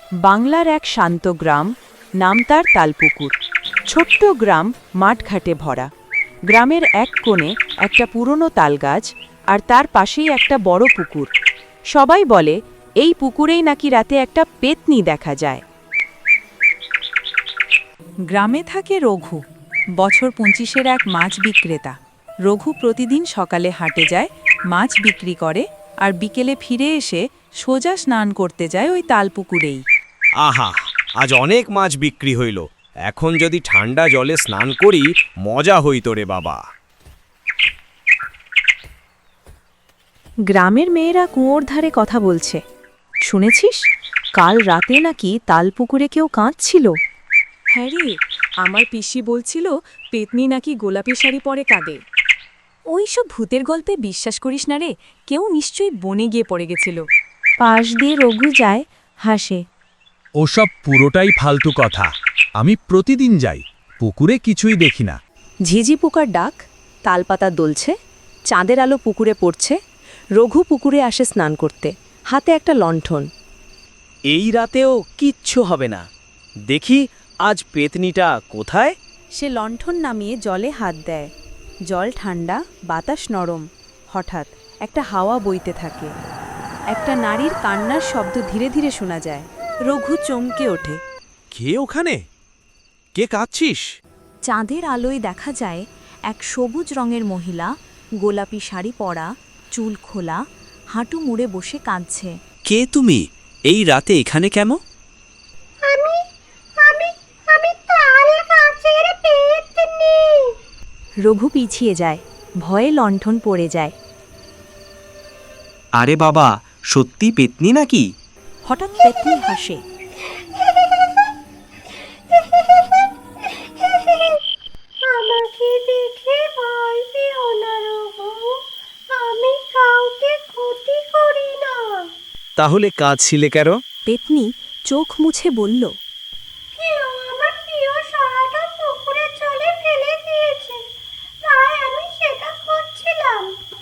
বাংলার এক শান্ত গ্রাম, নাম তার তালপুকুর। ছোট্ট গ্রাম, মাঠঘাটে ভরা। গ্রামের এক কোণে একটা পুরনো তালগাছ, আর তার পাশেই একটা বড় পুকুর। সবাই বলে এই পুকুরেই নাকি রাতে একটা পেতনি দেখা যায়। গ্রামে থাকে রঘু, বছর 25-এর এক মাছ বিক্রেতা। রঘু প্রতিদিন সকালে হাটে যায়, মাছ বিক্রি করে, আর বিকেলে ফিরে এসে সোজা স্নান করতে যায় ওই তালপুকুরেই। আহা, আজ অনেক মাছ বিক্রি হইল। এখন যদি ঠান্ডা জলে স্নান করি, মজা হইত রে বাবা। গ্রামের মেয়েরা কুয়োর ধারে কথা বলছে। শুনেছিস, কাল রাতে নাকি তালপুকুরে কেউ কাঁদছিল। হ্যাঁ রে, আমার পিসি বলছিল পেতনি নাকি গোলাপি শাড়ি পরে কাঁদে। ওই সব ভূতের গল্পে বিশ্বাস করিস না রে, কেউ নিশ্চয়ই বনে গিয়ে পড়ে গেছিল। পাশ দিয়ে রঘু যায়, হাসে। ওসব পুরোটাই ফালতু কথা। আমি প্রতিদিন যাই, পুকুরে কিছুই দেখি না। ঝিঝি পোকার ডাক, তালপাতা দোলছে, চাঁদের আলো পুকুরে পড়ছে। রঘু পুকুরে আসে স্নান করতে, হাতে একটা লণ্ঠন। এই রাতেও কিচ্ছু হবে না। দেখি আজ পেতনিটা কোথায়। সে লণ্ঠন নামিয়ে জলে হাত দেয়। জল ঠান্ডা, বাতাস নরম। হঠাৎ একটা হাওয়া বইতে থাকে। একটা নারীর কান্নার শব্দ ধীরে ধীরে শোনা যায়। রঘু চমকে ওঠে। কে ওখানে? কে কাঁদছিস? চাঁদের আলোয় দেখা যায় এক সবুজ রঙের মহিলা, গোলাপি শাড়ি পরা, চুল খোলা, হাঁটু মুড়ে বসে কাঁদছে। কে তুমি? এই রাতে এখানে কেন? রঘু পিছিয়ে যায়, ভয়ে লণ্ঠন পড়ে যায়। আরে বাবা, সত্যি পেতনি নাকি? হঠাৎ পেতনি হাসে। আমাকে দেখে ভয় পেও না রঘু, আমি কাউকে ক্ষতি করি না। তাহলে কাঁদছিলে কেন? পেতনি চোখ মুছে বলল, কেউ আমার প্রিয় সরাটা পুকুরের জলে ফেলে দিয়েছে, তাই আমি সেটা খুঁজছিলাম।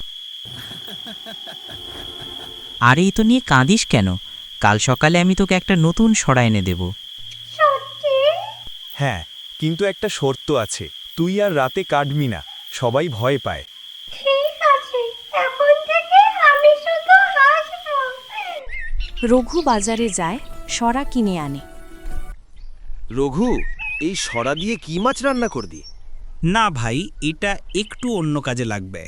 আরে এই তো নিয়ে কাঁদিস কেন? কাল সকালে আমি তোকে একটা নতুন সরা এনে দেব। সত্যি? হ্যাঁ, কিন্তু একটা শর্ত আছে। তুই আর রাতে কাটবি না, সবাই ভয় পায়। ঠিক আছে, এখন থেকে আমি শুধু হাসবো। রঘু বাজারে যায়, সরা কিনে আনে। রঘু, এই সরা দিয়ে কি মাছ রান্না করবি? না ভাই, এটা একটু অন্য কাজে লাগবে।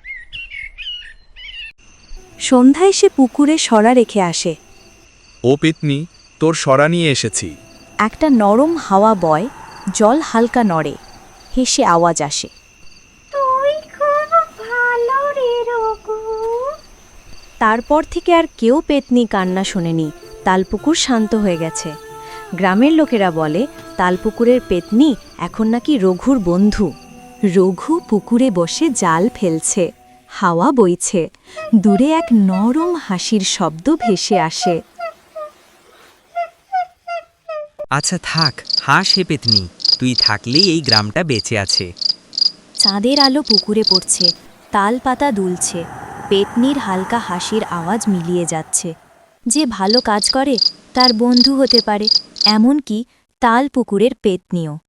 সন্ধ্যায় সে পুকুরে সরা রেখে আসে। ও পেতনি, তোর সরা নিয়ে এসেছি। একটা নরম হাওয়া বয়, জল হালকা নড়ে, হেসে আওয়াজ আসে। তুই খুব ভালো রে রঘু। তারপর থেকে আর কেউ পেতনি কান্না শোনেনি। তালপুকুর শান্ত হয়ে গেছে। গ্রামের লোকেরা বলে তালপুকুরের পেতনি এখন নাকি রঘুর বন্ধু। রঘু পুকুরে বসে জাল ফেলছে, হাওয়া বইছে, দূরে এক নরম হাসির শব্দ ভেসে আসে। আচ্ছা থাক, হাস হে পেতনি, তুই থাকলেই এই গ্রামটা বেঁচে আছে। চাঁদের আলো পুকুরে পড়ছে, তাল পাতা দুলছে, পেতনির হালকা হাসির আওয়াজ মিলিয়ে যাচ্ছে। যে ভালো কাজ করে তার বন্ধু হতে পারে, এমনকি তাল পুকুরের পেতনিও।